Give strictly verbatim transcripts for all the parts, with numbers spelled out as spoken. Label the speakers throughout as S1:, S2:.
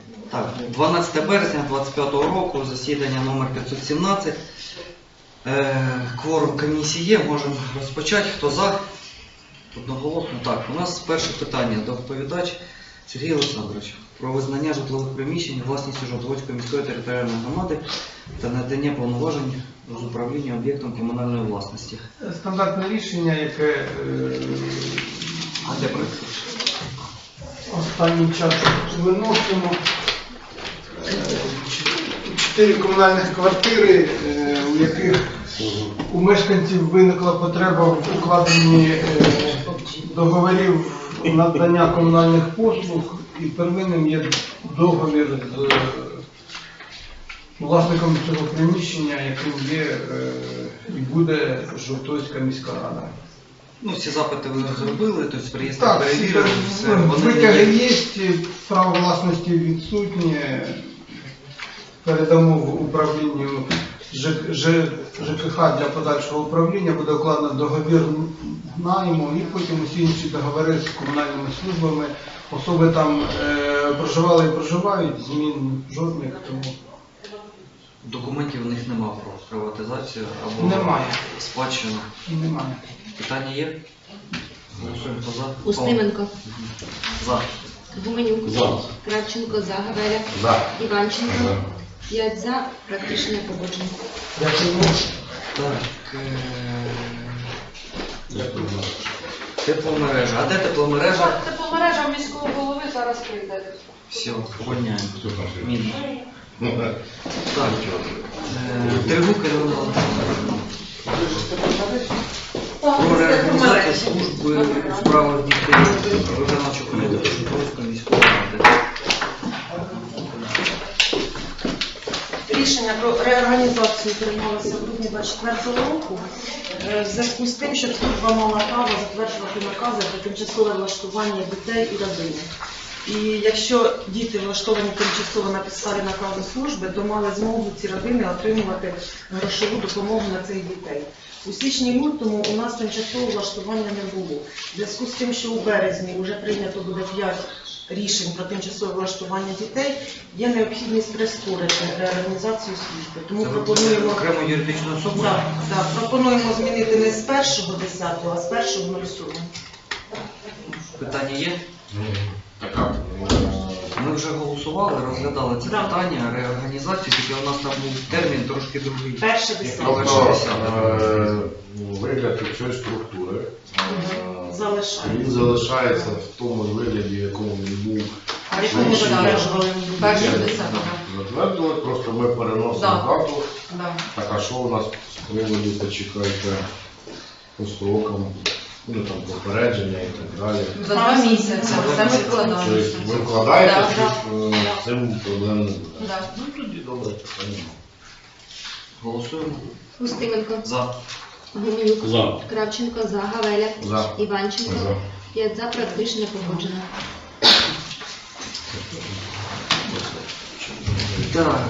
S1: Так, дванадцяте березня двадцять п'ятого року, засідання номер п'ятсот сімнадцять. Е, кворум комісії є, можемо розпочати. Хто за? Одноголосно. Так, у нас перше питання. Доповідач Сергій Олександрович про визнання житлових приміщень власністю Жовтоводської міської територіальної громади та надання повноважень з управління об'єктом комунальної власності.
S2: Стандартне рішення, яке е,
S1: А де проєкт?
S2: останній час виносимо. Е, Чотири комунальних квартири, е, у яких у мешканців виникла потреба в укладенні е, договорів надання комунальних послуг, і первинним є договір з е, власником цього приміщення, яким є е, і буде Жовтоводська міська рада.
S1: Ну, всі запити ви зробили, тобто приїзд
S2: Так,
S1: перевірили, все. Вони
S2: витяги
S1: не є.
S2: є, право власності відсутнє. Передамо в управлінню Ж- Ж- ЖКХ для подальшого управління, буде укладено договір найму і потім усі інші договори з комунальними службами. Особи там е, проживали і проживають, змін жодних, тому
S1: Документів у них немає про приватизацію або
S2: немає.
S1: спадщину.
S2: Немає.
S1: Питання є? Голосуємо. Хто за?
S3: Устименко,
S1: За.
S3: Гуменюк,
S4: За.
S3: Кравченко, за, Гавеля,
S4: За.
S3: Іванченко,
S4: За.
S3: п'ять за, практично погоджено.
S2: Дякую.
S1: Так. е,
S4: Дякую.
S1: Тепломережа. А де тепломережа?
S5: Тепломережа міського голови зараз прийде.
S1: Все, увольняємо.
S4: Хто там ще?
S1: Мінус.
S4: Ну, так.
S1: Так. е, Тригук Ірина Володимирівна. Про реорганізацію служби у справах дітей виконавчого комітету Жовтоводської міської ради.
S5: Рішення про реорганізацію приймалося в грудні двадцять четвертого року е, в зв'язку з тим, що служба мала право затверджувати накази про тимчасове влаштування дітей і родини. І якщо діти влаштовані тимчасово на підставі наказу служби, то мали змогу ці родини отримувати грошову допомогу на цих дітей. У січні-лютому у нас тимчасового влаштування не було. В зв'язку з тим, що у березні вже прийнято буде п'ять рішень про тимчасове влаштування дітей, є необхідність прискорити реорганізацію служби. Тому
S1: Це ви
S5: пропонуємо,
S1: окрему юридичну особу?
S5: так, так, пропонуємо змінити не з першого десятого, а з першого сьомого.
S1: Питання є?
S4: Така.
S1: Ми вже голосували, розглядали це
S5: Да.
S1: питання, реорганізацію, тільки у нас там був термін трошки другий.
S5: Перше десяте.
S4: Тобто, е, вигляд цієї структури, е,
S5: Залишається.
S4: він залишається в тому вигляді, в якому він був.
S5: А в якому
S4: Ще-
S5: затверджували?
S6: Перше
S4: Ні,
S6: десятого.
S4: Затвердили, просто ми переносимо
S6: Да.
S4: дату.
S6: Да.
S4: Так, а що у нас з приводу, почекайте, по строкам, ну там попередження і так далі.
S6: За два місяці. Це ми вкладаємося.
S4: Тобто ви вкладаєте,
S6: Да,
S4: щоб е, з цим проблем не буде.
S6: Да.
S4: Ну тоді добре, питання.
S1: Голосуємо.
S3: Устименко,
S1: За.
S3: Гуменюк,
S4: За.
S3: Кравченко, за, Гавеля,
S4: За.
S3: Іванченко,
S4: За.
S3: п'ять за, практично погоджено.
S1: Так.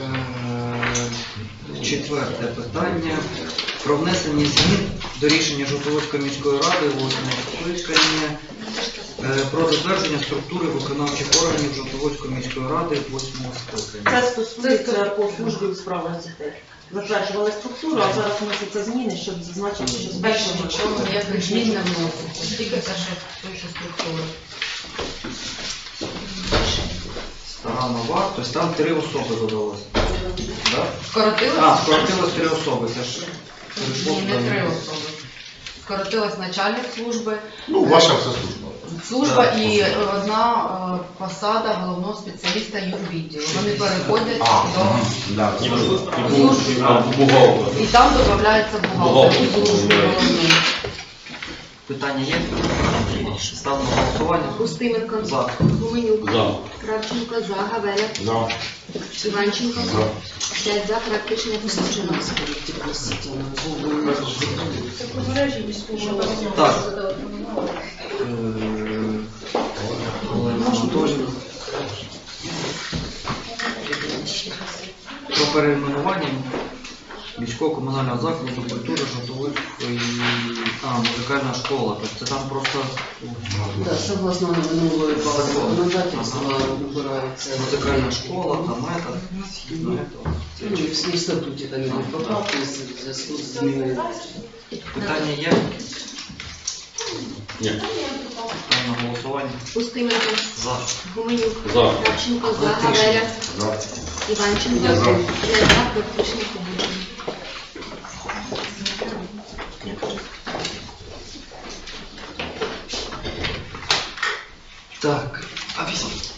S1: е, Четверте питання. Про внесення змін до рішення Жовтоводської міської ради восьмого скликання е, про затвердження структури виконавчих органів Жовтоводської міської ради восьмого скликання.
S5: Це стосується по службі у справах дітей. Затверджували структуру, а зараз вносяться зміни, щоб зазначити, що з
S6: Більше
S5: першого
S6: нічого ніяких змін не вноситься. Тільки те, що той, що структура.
S1: Стара нова, тобто там три особи додалося. Да?
S6: Скоротилось?
S1: А, скоротилось три особи. Це ж перейшло
S6: Ні, не
S1: туди.
S6: три особи. Скоротилась начальник служби,
S4: Ну, ваша вся служба.
S6: служба
S1: Так,
S6: і
S1: посада.
S6: одна е, посада головного спеціаліста юрвідділу. Вони переходять
S4: А,
S6: до
S4: да,
S7: І
S4: служба.
S7: був бухгалтер.
S6: і там додається бухгалтер у службу головний.
S1: Питання є? Ставимо на голосування.
S3: Устименко,
S1: За.
S3: Гуменюк,
S7: За.
S3: Кравченко, за, Гавеля,
S4: За.
S3: Іванченко,
S4: За.
S3: п'ять за, практично погоджено.
S5: Тепломережі міського голови.
S1: Так. Е, Олена Анатоліївна. Про перейменування міського комунального закладу культури Жовтоводської... А, А, музикальна школа, тобто це там просто
S8: Да, согласно минулої бази
S1: Закон.
S8: законодательства вибирається.
S1: музикальна школа, там это, ну, это.
S8: Ну, і в в статуті там ідуть поправки в зв'язку з зміною.
S1: Питання є?
S7: Ні.
S1: Ставимо на голосування.
S3: Устименко,
S1: За.
S3: Гуменюк,
S7: За.
S3: Кравченко, за, Гавеля, Іванченко, п'ять за, проти рішення погоджено.
S1: Так, а візьміть.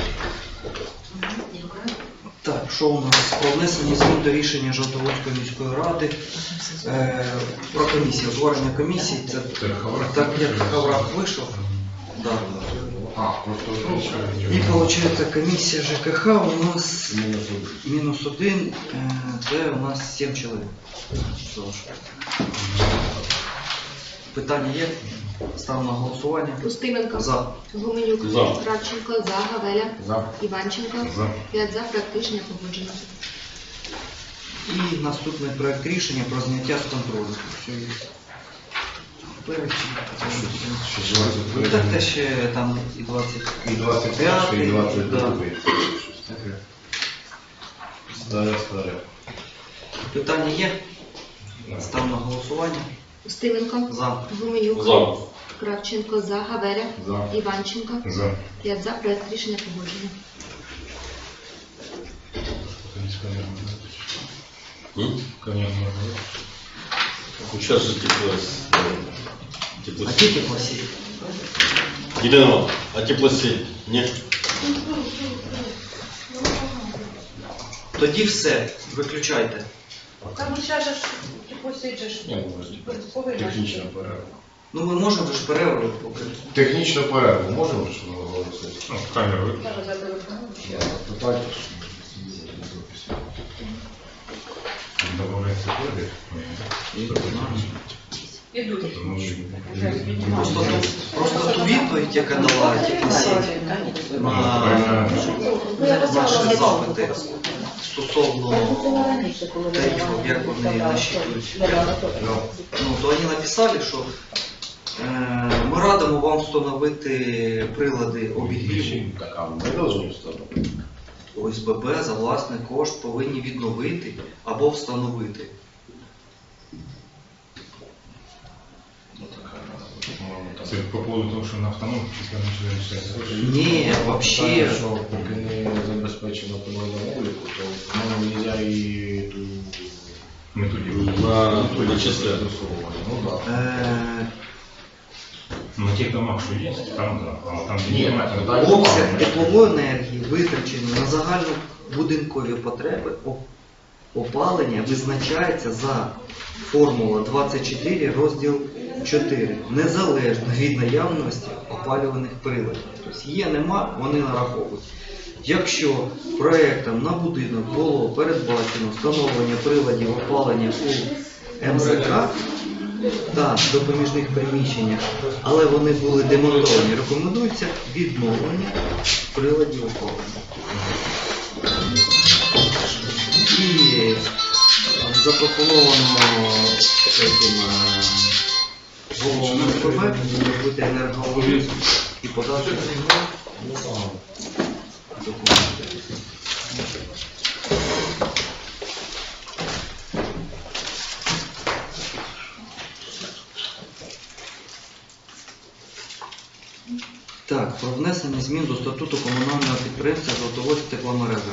S1: Так, що у нас? Про внесення змін до рішення Жовтоводської міської ради е, про комісію, утворення комісії. Це так, як Хаврах вийшов. Да.
S4: А, просто
S1: І виходить комісія ЖКХ у нас
S4: мінус один.
S1: мінус один, е, де у нас сім чоловік. Залишається. Питання є? Ставимо на голосування.
S3: Устименко,
S1: За.
S3: Гуменюк,
S7: За.
S3: Кравченко, за, Гавеля,
S4: За.
S3: Іванченко,
S4: За.
S3: п'ять за, проти рішення погоджено.
S1: І наступний проект рішення про зняття з контролю. Що є? Перечень. Ну, так те ще там і двадцять.
S4: І двадцять перший, і двадцять
S1: Да.
S4: другий. Старе, старе.
S1: Питання є? Став на голосування.
S3: Устименко,
S1: За.
S3: Гуменюк,
S7: За.
S3: Кравченко, за, Гавеля,
S4: За.
S3: Іванченко,
S4: За.
S3: п'ять за, проект рішення погоджено.
S7: М? Ну, сейчас же тепло. Тепло.
S1: А тільки класі.
S7: Єдиного, а теплосеть? Ні.
S1: Тоді все. Виключайте.
S6: Там ще ж посиджеш.
S4: Технічна перерва.
S1: Ну ми можемо ж перерву поки.
S4: Технічну перерву можемо ж оголосити?
S9: Ну, камеру виключити.
S4: Питання.
S9: Добавляється кодик.
S1: Просто, ту- просто ту відповідь, яка дала теплосеть на наші запити стосовно тарифів, як вони насчитують. Ну, то вони написали, що е, ми радимо вам встановити прилади обігріву
S4: Так, а ми повинні встановити.
S1: ОСББ за власний кошт повинні відновити або встановити.
S9: Це по поводу того, що на автономку чи скажімо, що вирішається.
S1: Ні, взагалі.
S4: Що поки не забезпечено командному обліку, то воно нельзя і ту
S9: Методику.
S7: На
S4: методику
S7: вичисляти.
S4: застосовувати. Ну так.
S1: Е,
S9: На тих домах, що є, там да. А там де
S4: Ні,
S9: немає, там
S4: так.
S1: Обсяг теплової енергії, витрачений на загальнобудинкові потреби о- опалення, визначається за формула двадцять чотири розділ чотири, незалежно від наявності опалюваних приладів. Тобто є, нема, вони нараховують. Якщо проектом на будинок було передбачено встановлення приладів опалення у ем зет ка та допоміжних приміщеннях, але вони були демонтовані, рекомендується відновлення приладів опалення. І запропоновано цим головам ОСББ зробити енергоаудит і подати документи. Так, про внесення змін до статуту комунального підприємства «Жовтоводськ тепломережа».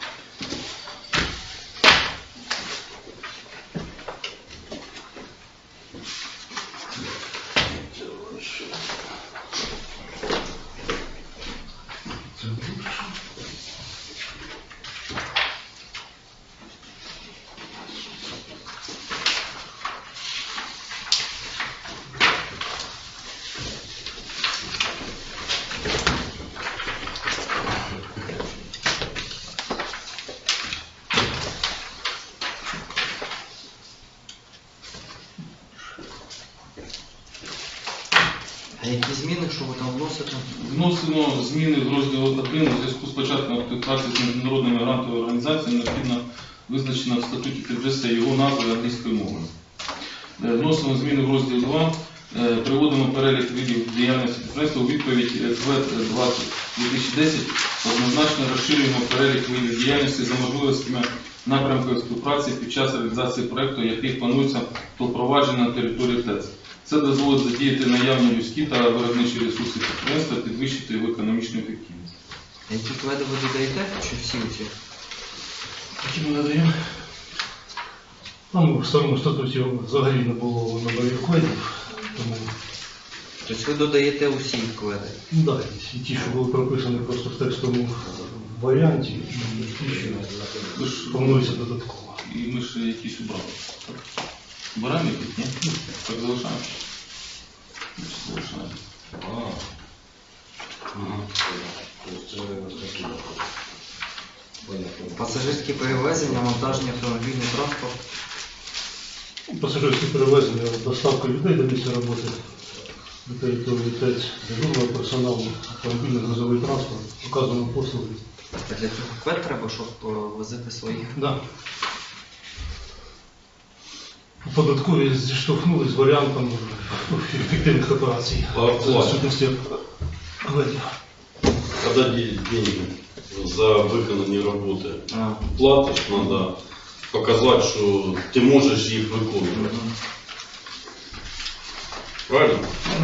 S1: А які зміни, що ви там вносите?
S10: Вносимо зміни в розділ один у зв'язку з початком співпраці з міжнародними грантовими організаціями, необхідно визначено в статуті підвести його назву англійською мовою. Е, Вносимо зміни в розділ два Е, Приводимо перелік видів діяльності підприємства у відповідь КВЕД двадцять дві тисячі десять. Однозначно розширюємо перелік видів діяльності за можливостями напрямків співпраці під час реалізації проєкту, який планується по впровадженню на території ТЕЦ. Це дозволить задіяти наявні людські та виробничі ресурси підприємства, підвищити його економічну ефективність.
S1: Які кведи ви додаєте, чи всі ці?
S11: Які ми надаємо? Там в старому статуті взагалі не було номерів кведів, тому
S1: Тобто ви додаєте усі кведи?
S11: да, і ті, що були прописані просто в текстовому варіанті, і ті,
S10: Ви
S11: що
S10: ж
S11: планується додатково.
S10: І ми ж якісь убрали. Так? Убираємо якісь, ні? Так залишаємо. Значить, залишаємо.
S7: А. Ага. Тобто це такі. Понятно.
S1: Пасажирські перевезення, монтажні автомобільний транспорт.
S11: Пасажирські перевезення, доставка людей до місця роботи на території ТЕЦ, дежурного персоналу, автомобільний грузовий транспорт, указані послуги.
S1: А для цього квед треба, щоб е, возити своїх.
S11: Да. Податкові зіштовхнулись з варіантом ефективних операцій
S7: А оплата?
S11: за відсутності кведів.
S7: Когда де- деньги за виконані роботи
S1: А,
S7: платиш, треба показати, що ти можеш їх виконувати.
S1: мгм.
S7: Правильно?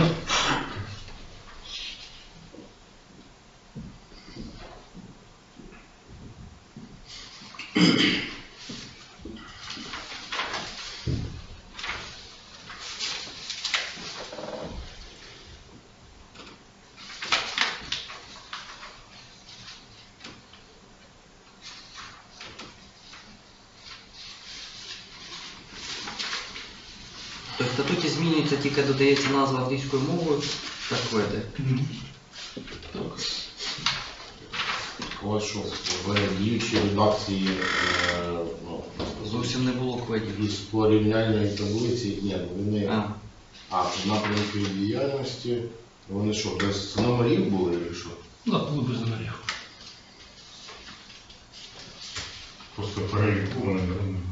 S1: Тобто в статуті змінюється, тільки додається назва англійською мовою та кведи.
S10: Так.
S4: Ось що в діючій редакції е, ну,
S1: Зовсім не було кведів.
S4: із порівняльної таблиці, ні, вони,
S1: А,
S4: а напрямки діяльності, вони що, без номерів були чи що?
S11: Да, було без номерів.
S9: Просто перелік повний.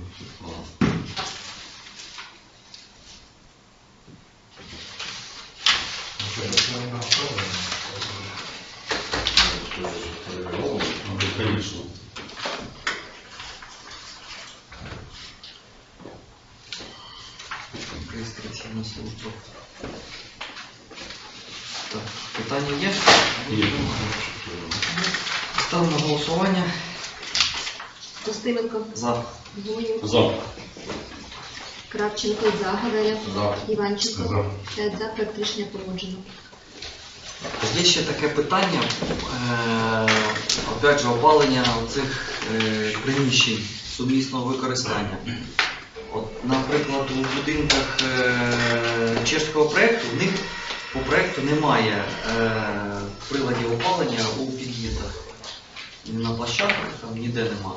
S7: Конечно.
S1: реєстраційна служба. Так, питання є?
S7: Є.
S1: Ставимо на голосування.
S3: Устименко,
S1: За.
S3: Гуменюк,
S7: За.
S3: Кравченко, за, Гавеля,
S4: За.
S3: Іванченко,
S9: За.
S3: п'ять за, проект рішення погоджено.
S1: Є ще таке питання, е, опять же, опалення цих е, приміщень сумісного використання. От, наприклад, у будинках е, чеського проєкту, в них по проєкту немає е, приладів опалення у під'їздах. Ні на площадках, там ніде нема.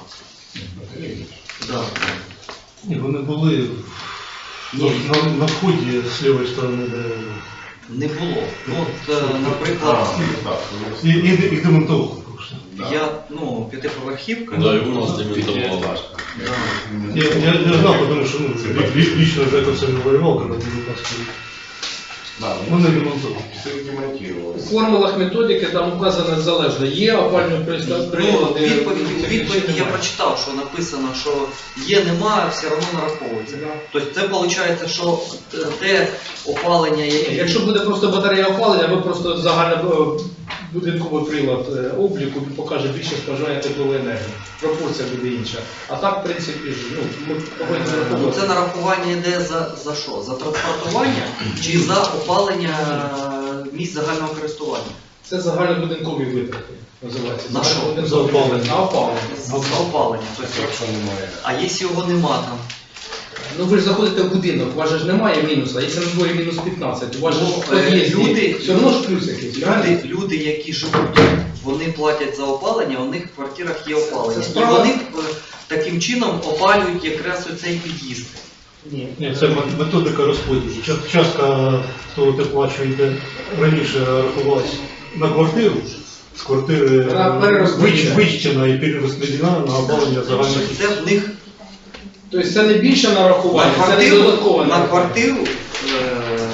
S1: Да.
S11: Ні, вони були на, на, на вході з лівої сторони, де
S1: Не було. Ну, от, е, наприклад,
S11: і, і, і демонтовували просто.
S1: я, ну, п'ятиповерхівка.
S7: Да, і у нас демонтували.
S1: Да.
S11: Я, я, я знав, тому що ну, лі- лі- лічно Жека це не воював, коли дев'ятнадцятий рік. Вони демонтували.
S4: Все демонтировали.
S8: У формулах методики там указано залежно. Є опальні
S1: Ну,
S8: прилади.
S1: відповідь, у відповіді я прочитав, що написано, що є, немає, все одно нараховується. Тобто це виходить, що те опалення, яке...
S8: Якщо буде просто батарея опалення, або просто загальний будинковий прилад е, обліку він покаже більше споживання теплової енергії. Пропорція буде інша. А так, в принципі, ж, ну, ми повинні
S1: Ну,
S8: враховувати.
S1: це нарахування йде за, за що? За транспортування чи за опалення місць загального користування?
S8: Це загальнобудинкові витрати називається.
S1: На що?
S8: Загальнобудинкові-
S11: За опалення.
S8: На опалення.
S1: За, за опалення. Тобто,
S4: Якщо немає.
S1: а якщо його нема там?
S8: Ну ви ж заходите в будинок, у вас же ж немає мінусу, а якщо на дворі мінус п'ятнадцять, у вас же ж
S1: Ну,
S8: в під'їзді,
S1: люди-
S8: все одно ж плюс якийсь, правильно?
S1: Люди, люди, які живуть тут, вони платять за опалення, у них в квартирах є опалення.
S8: Це
S1: І
S8: справа.
S1: вони е, таким чином опалюють якраз оцей під'їзд.
S8: Ні.
S11: Ні, це мет- методика розподілу. Ча- Частка того тепла, що йде раніше рахувалась на квартиру, з квартири
S8: Вона перерозподілена.
S11: вич- вичтена і перерозподілена на опалення загальних.
S1: Це в них
S8: Тобто це не більше
S1: на
S8: нарахування, це не
S1: квартиру,
S8: додаткове
S1: на
S8: нарахування.
S1: квартиру е,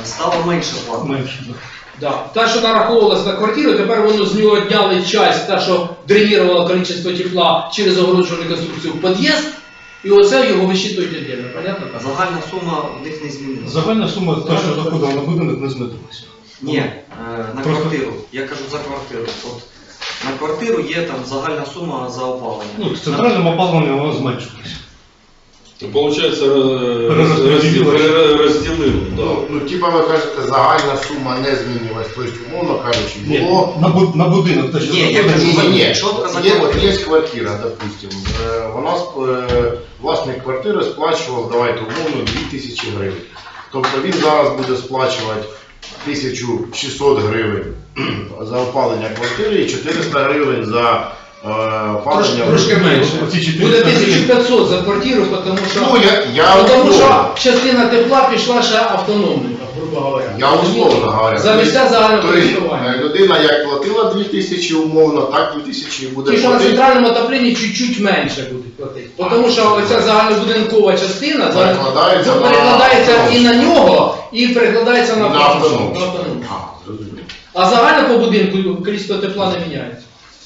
S1: стало менше плати.
S11: Менше, да.
S8: Да. Та, що нараховувалось на квартиру, тепер воно з нього відняли часть, та, що дренувало кількість тепла через огороджувальну конструкцію в під'їзд, і оце його висчитують віддільно, понятно? так?
S1: Загальна сума в них не змінилася.
S11: Загальна сума, та, що заходила на будинок, не змінилася.
S1: Ні, е, на
S11: Просто-
S1: квартиру. Я кажу за квартиру. От на квартиру є там загальна сума за опалення.
S11: Ну, з центральним опаленням вона зменшилася.
S7: Ну, Получається, роз-
S11: Перерозподілили.
S7: розділи- розділили, да.
S4: Ну, ну, типа ви кажете, загальна сума не змінилась, тобто, умовно кажучи,
S11: Ні,
S4: було...
S11: на, бу- на будинок, те, що
S1: Ні, я
S11: заходить,
S1: кажу,
S4: Ні, ні, ні.
S1: Чітко за
S4: Є,
S1: квартиру.
S4: є квартира, допустим. Е, Вона сп- е, власник квартири сплачував, давайте умовно, дві тисячі гривень. Тобто він зараз буде сплачувати тисячу шістсот гривень за опалення квартири і чотириста гривень за е,
S8: Трошки,
S4: опалення.
S8: трошки менше.
S11: Оці чотириста
S8: Буде тисяча п'ятсот за квартиру, тому що,
S4: Ну, я, я
S8: тому що
S4: условно,
S8: частина тепла пішла ще автономною, грубо говоря.
S4: я условно говорю.
S8: За місця загального
S4: Тобто,
S8: користування.
S4: е, людина як платила дві тисячі умовно, так дві тисячі буде
S8: Ті, що на
S4: платити.
S8: центральному отопленні чуть-чуть менше будуть платити. Тому що оця загальнобудинкова частина за-
S4: Перекладається на
S8: перекладається і
S4: автономну.
S8: на нього, і перекладається на
S4: На
S8: автономну.
S4: автономну.
S8: На автономну.
S4: А, зрозуміло.
S8: А загально по будинку кількість тепла не міняється.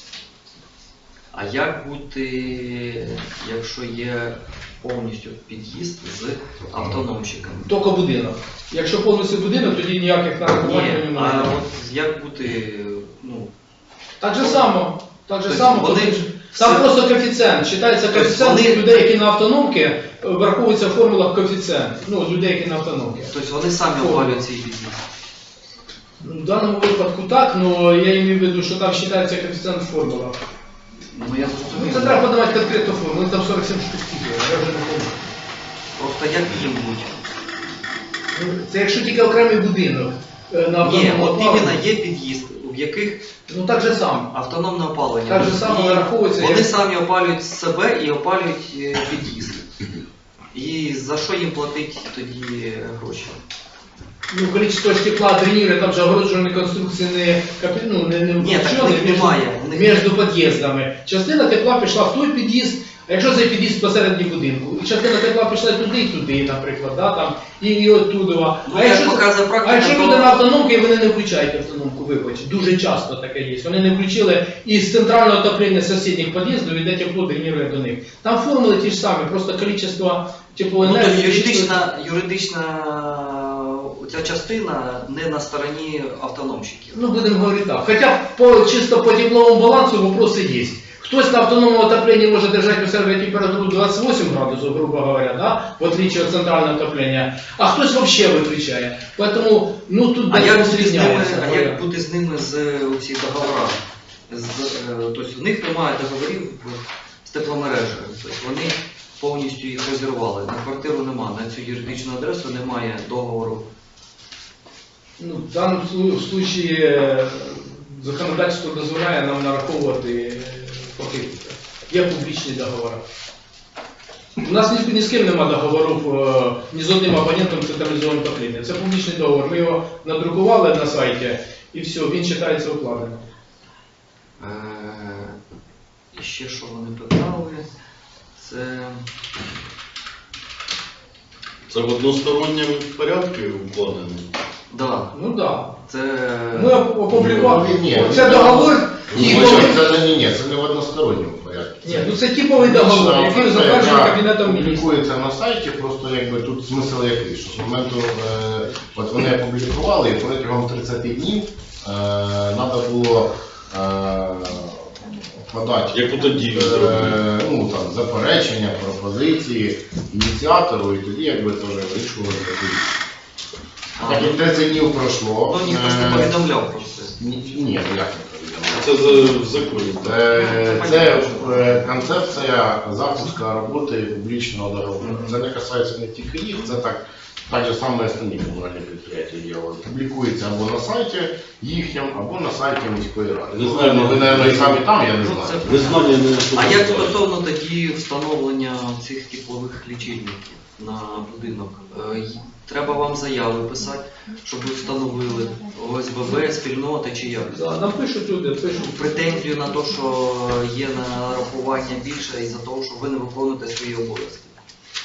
S1: А як бути, якщо є повністю під'їзд з автономщиками?
S8: Тільки будинок. Якщо повністю будинок, тоді ніяких нарахувань
S1: Ні,
S8: не
S1: а
S8: немає.
S1: от як бути, ну,
S8: Так же само. Так же
S1: Тобто
S8: само.
S1: вони
S8: тому що Там
S1: все-
S8: просто коефіцієнт. Читається
S1: Тобто
S8: коефіцієнт
S1: вони-
S8: тих людей, які на автономки, е, враховується в формулах коефіцієнт. Ну, людей, які на автономки.
S1: тобто вони самі
S8: Формула.
S1: опалюють цей під'їзд?
S8: Ну, в даному випадку так, але я имею в виду, що там вважається коефіцієнт формула.
S1: Ну я
S8: Ну,
S1: зрозумів.
S8: це треба подавати конкретну формулу, там сорок сім штук тільки, я вже не пам'ятаю.
S1: Просто як їм бути?
S8: Ну, це якщо тільки окремий будинок е, на
S1: Ні,
S8: автономному
S1: от
S8: опаленні.
S1: іменно є під'їзд, в яких
S8: Ну так же само.
S1: автономне опалення.
S8: Так же само
S1: І
S8: нараховується,
S1: Вони
S8: як-
S1: самі опалюють себе і опалюють е, під'їзд. І за що їм платить тоді гроші?
S8: Ну, количество ж тепла дренира, там же огороджувальні конструкції не, капі- ну, не, не
S1: Ні, так
S8: включені
S1: в них
S8: між,
S1: немає, в них-
S8: між під'їздами. Частина тепла пішла в той під'їзд, а якщо цей під'їзд посередині будинку, і частина тепла пішла туди і туди, наприклад, да, там, і, і оттуда.
S1: Ну,
S8: а
S1: як
S8: якщо,
S1: показує практика,
S8: а якщо
S1: то-
S8: люди на автономки, вони не включають автономку, вибачте, дуже часто таке є. Вони не включили і з центрального отоплення сусідніх під'їздів йде тепло дренує до них. Там формули ті ж самі, просто кількість
S1: Ну,
S8: теплоенергії.
S1: тобто юридична, юридична ця частина не на стороні автономщиків.
S8: Ну, будемо говорити так. Хоча по, чисто по тепловому балансу вопроси є. Хтось на автономному отоплении може держати у себе температуру двадцять вісім градусів, грубо говоря, да? в отличие від центрального отоплення, а хтось вообще виключає. Поэтому, ну, тут
S1: А як,
S8: десь
S1: бути з ними,
S8: різняється.
S1: а як бути з ними з цих договорами? З, е, тобто в них немає договорів з тепломережею. Тобто вони повністю їх розірвали. На квартиру немає, на цю юридичну адресу немає договору.
S8: Ну, в даному слу- случаї е, законодавство дозволяє нам нараховувати е, покидки. Є публічні договори. У нас ні, ні з ким немає договорів, е, ні з одним абонентом централізованого отоплення. Це публічний договор. Ми його надрукували на сайті і все, він вважається укладеним.
S1: Е, і ще що вони питали, це...
S7: Це в односторонньому порядку укладено.
S1: Да,
S8: Ну так. Да.
S1: це...
S8: Ми оп- опублікували.
S4: Ні, ні,
S8: Це
S4: ні,
S8: договор.
S4: Ні,
S8: типовий-
S4: це не, ні, ні, це не в односторонньому порядку.
S8: Ні, ну це типовий договор, який затверджений Кабінетом Міністрів.
S4: Публікується на сайті, просто якби тут смисл який, що з моменту, е, от вони опублікували, і протягом тридцять днів треба було е, подати
S7: Яку тоді
S4: е,
S7: зробили?
S4: ну, там, заперечення, пропозиції ініціатору, і тоді якби теж вирішували таку.
S1: А,
S4: Так як тридцять днів пройшло.
S1: ну ніхто ж не
S4: е,
S1: повідомляв про це.
S4: Ні, ні, ну як не повідомляв.
S7: Це за- в законі.
S4: Це, це е, концепція запуску роботи публічного договору.
S1: Мгм.
S4: Це не касається не тільки їх, це так, так же саме основні комунальні підприємства роблять. Публікується або на сайті їхньому, або на сайті міської ради.
S7: Не знаю,
S4: Ну, ви, мабуть, і самі там, я не
S1: Ну,
S4: знаю.
S1: це-
S7: Незнання не
S1: А як
S7: впливає.
S1: стосовно тоді встановлення цих теплових лічильників на будинок? Е, й- Треба вам заяви писати, щоб ви встановили О С Б Б, спільноти чи як?
S8: Да, напишуть люди, пишуть.
S1: Претензію на те, що є нарахування більше із-за того, що ви не виконуєте свої обов'язки.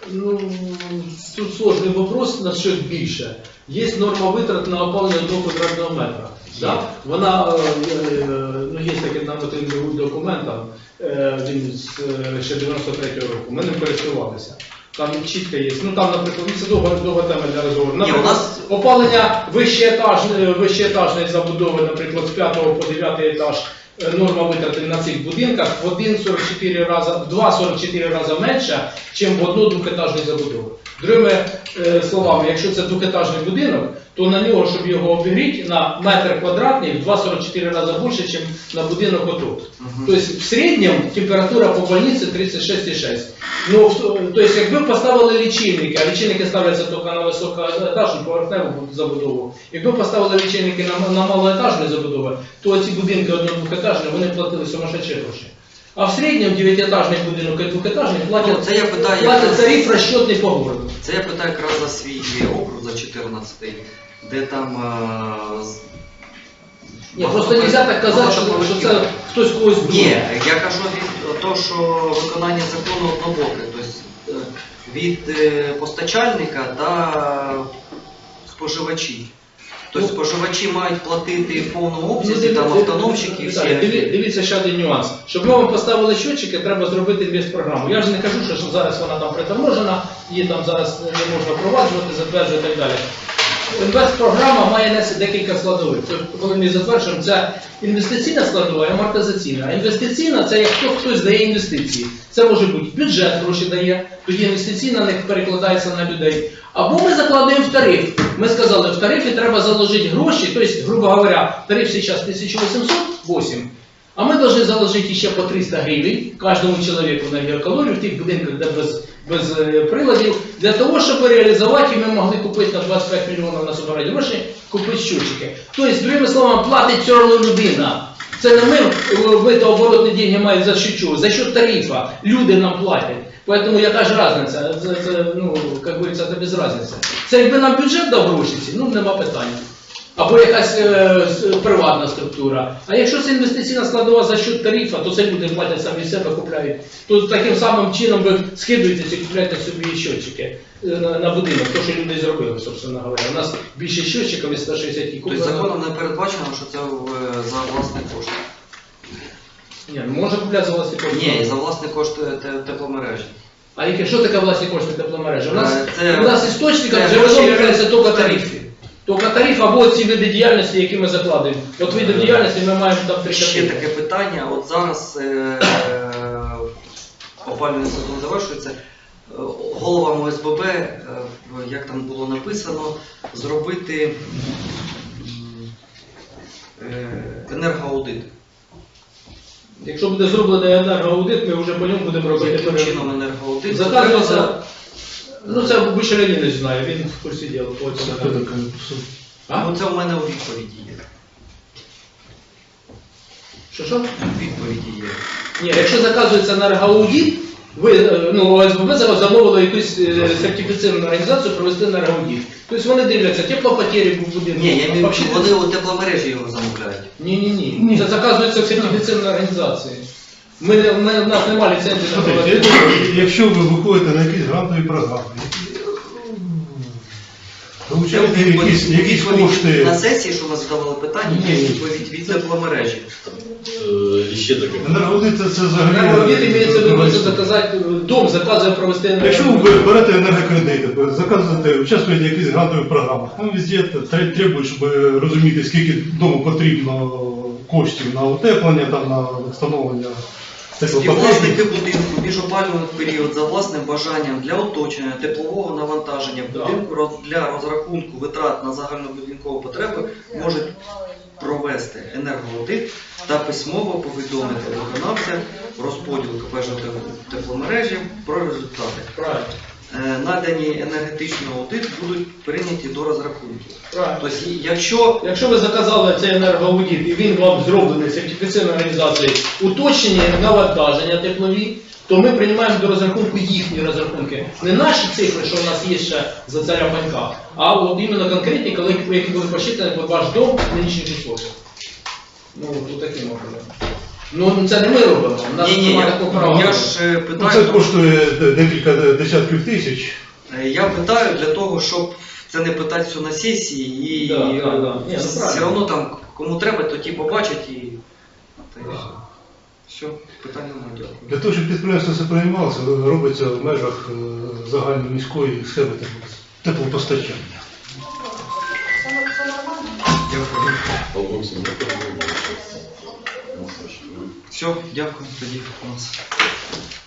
S8: Ну, тут сложний вопрос на щось більше. Є норма витрат на опалення одного квадратного метра. Да? Вона, е, е, ну, є такий нормативний документ, там, е, він з е, ще дев'яносто третього року, ми ним користувалися. Там чітко є. Ну там, наприклад, це довга, довга тема для розговору.
S1: Ні, у
S8: Наприклад,
S1: нас
S8: опалення вищеетажної, вищеетажної забудови, наприклад, з п'ятого по дев'ятий етаж, е, норма витрати на цих будинках в один цілих сорок чотири рази, в два цілих сорок чотири рази менша, ніж в одно-двохетажної забудови. Другими е, словами, якщо це двохетажний будинок, то на нього, щоб його обігріти, на метр квадратний в два цілих сорок чотири рази більше, ніж на будинок отут.
S1: Мгм.
S8: Тобто в середньому температура по больниці тридцять шість цілих шість. Ну, в- тобто, якби поставили лічильники, а лічильники ставляться тільки на високоетажну поверхневу забудову, якби поставили лічильники на, на малоетажну забудову, то ці будинки одно-двохетажні, вони платили сумасшедші гроші. А в середньому дев'ятиетажний будинок і двохетажний платять,
S1: Ну, це я питаю,
S8: платять
S1: якраз-
S8: тариф розчетний по городу.
S1: Це я питаю якраз за свій округ, за чотирнадцятий, де там... е, з-
S8: Ні, просто не можна так казати, що, що це хтось когось буде.
S1: Ні, я кажу від того, що виконання закону однобоке, тобто е, від е, постачальника та споживачів. Тобто споживачі мають платити в повному обсязі, там автономщики і всі.
S8: Так, диві- Дивіться ще один нюанс. Щоб ми вам поставили щотчики, треба зробити інвестпрограму. Я ж не кажу, що, що зараз вона там приторможена, її там зараз не можна впроваджувати, затверджувати і так далі. Інвестпрограма має нести декілька складових. Тобто, коли ми затверджуємо, це інвестиційна складова і амортизаційна. А інвестиційна це як хто хтось дає інвестиції. Це може бути бюджет гроші дає, тоді інвестиційна на них перекладається на людей. Або ми закладаємо в тариф. Ми сказали, в тарифі треба заложити гроші, тобто, грубо говоря, тариф зараз тисяча вісімсот вісім, а ми повинні заложити ще по триста гривень кожному чоловіку на геокалорію в тих будинках, де без, без е, приладів, для того, щоб реалізувати, ми могли купити на двадцять п'ять мільйонів на собирати гроші, купити щотчики. Тобто, другими словами, платить все одно людина. Це не ми вбито оборотні деньги мають за що чого, за що тарифа. Люди нам платять. Поэтому яка ж різниця? Це, це, ну, як говориться, це без різниці. Це якби нам бюджет дав гроші, ну нема питання. Або якась е, с- приватна структура. А якщо це інвестиційна складова за счет тарифа, то це люди платять самі себе, купляють. То таким самим чином ви скидуєтеся і купляєте собі щотчики е, на, на будинок, то що люди зробили, собственно говоря. У нас більше щотчиків із сто шістдесят
S1: Тобто
S8: куплено.
S1: законом не передбачено, що це е, за власний кошт.
S8: Ні, ну можна купляти за власні кошти.
S1: Ні, за власний кошт е, те- тепломережі.
S8: А яке, що таке власні кошти тепломережі? У нас,
S1: Е, це-
S8: у нас істочником
S1: це
S8: джерелом
S1: гроші-
S8: являється тільки тарифи. Тільки тариф або ці види діяльності, які ми закладаємо. От види діяльності ми маємо там три
S1: Ще
S8: категорії.
S1: таке питання. От зараз е, е, опалювальний сезон завершується. Е, Головам ОСББ, е, в- як там було написано, зробити м, е, енергоаудит.
S8: Якщо буде зроблений енергоаудит, ми вже по ньому будемо робити
S1: Яким
S8: перерив.
S1: чином енергоаудит?
S8: Заказується, ну це Буча Леонідович знає, він в курсі діла. по цьому.
S11: Хто таке написав?
S8: А?
S1: Ну, це в мене у відповіді є.
S8: Що, що?
S1: У відповіді є.
S8: Ні, якщо заказується енергоаудит, ви, е, ну, ОСББ зараз замовило якусь е, сертифіційну організацію провести енергоаудит. Тобто вони дивляться теплопотері в будинку.
S1: Ні, я маю,
S8: Вообще-
S1: вони у тепломережі його замовляють.
S8: Ні, ні, ні. Це заказується в сертифіційній організації. Ми, не- ми, у нас немає ліцензії на
S11: Смотрите,
S8: проведення.
S11: это, якщо ви виходите на якісь грантові програми, получаєте якісь, якісь
S1: Відповідь
S11: кошти.
S1: на сесії, що ми задавали питання, є
S11: Ні.
S1: відповідь від тепломережі.
S7: Е, І ще таке.
S11: Енергоаудит це взагалі.
S8: Енергоаудит имеется в виду, це заказати, дом заказує провести
S11: Якщо
S8: енергоаудит.
S11: ви берете енергокредити, заказуєте, участвуєте в якихось грантових програмах, там везде тре- требують, щоб розуміти, скільки дому потрібно коштів на утеплення, там, на встановлення теплопотері.
S1: Співвласники будинку між опалювальний період за власним бажанням для оточення теплового навантаження будинку роз- для розрахунку витрат на загальнобудинкові потреби можуть провести енергоаудит та письмово повідомити виконавця розподілу КП тепломережі про результати.
S8: Правильно.
S1: Е, Надані енергетичний аудит будуть прийняті до розрахунків.
S8: Правильно.
S1: Тобто, якщо
S8: Якщо ви заказали цей енергоаудит і він вам зроблений сертифіційною організацією уточнення навантаження теплові, то ми приймаємо до розрахунку їхні розрахунки. Не наші цифри, що в нас є ще за царя панька, а от іменно конкретні, коли які були посчитані під ваш дом в нинішніх условиях. Ну, тут таким образом. Ну це не ми робимо, у нас
S1: Ні, ні,
S8: немає
S1: я,
S8: такого права.
S1: я ж е,
S11: Ну,
S1: питаю,
S11: це
S1: тому що-
S11: коштує декілька десятків тисяч.
S1: Е, я питаю для того, щоб це не питати все на сесії і
S8: Да, да, да. Ні, ну,
S1: все
S8: правильно.
S1: одно там кому треба, то ті побачать і та й все. Все, питань немає, дякую.
S11: Для того, щоб підприємство це приймалося, робиться в межах е, загальноміської схеми теплопостачання.
S1: Дякую.
S7: Павло Олексійович,
S1: Все, дякую тоді у нас.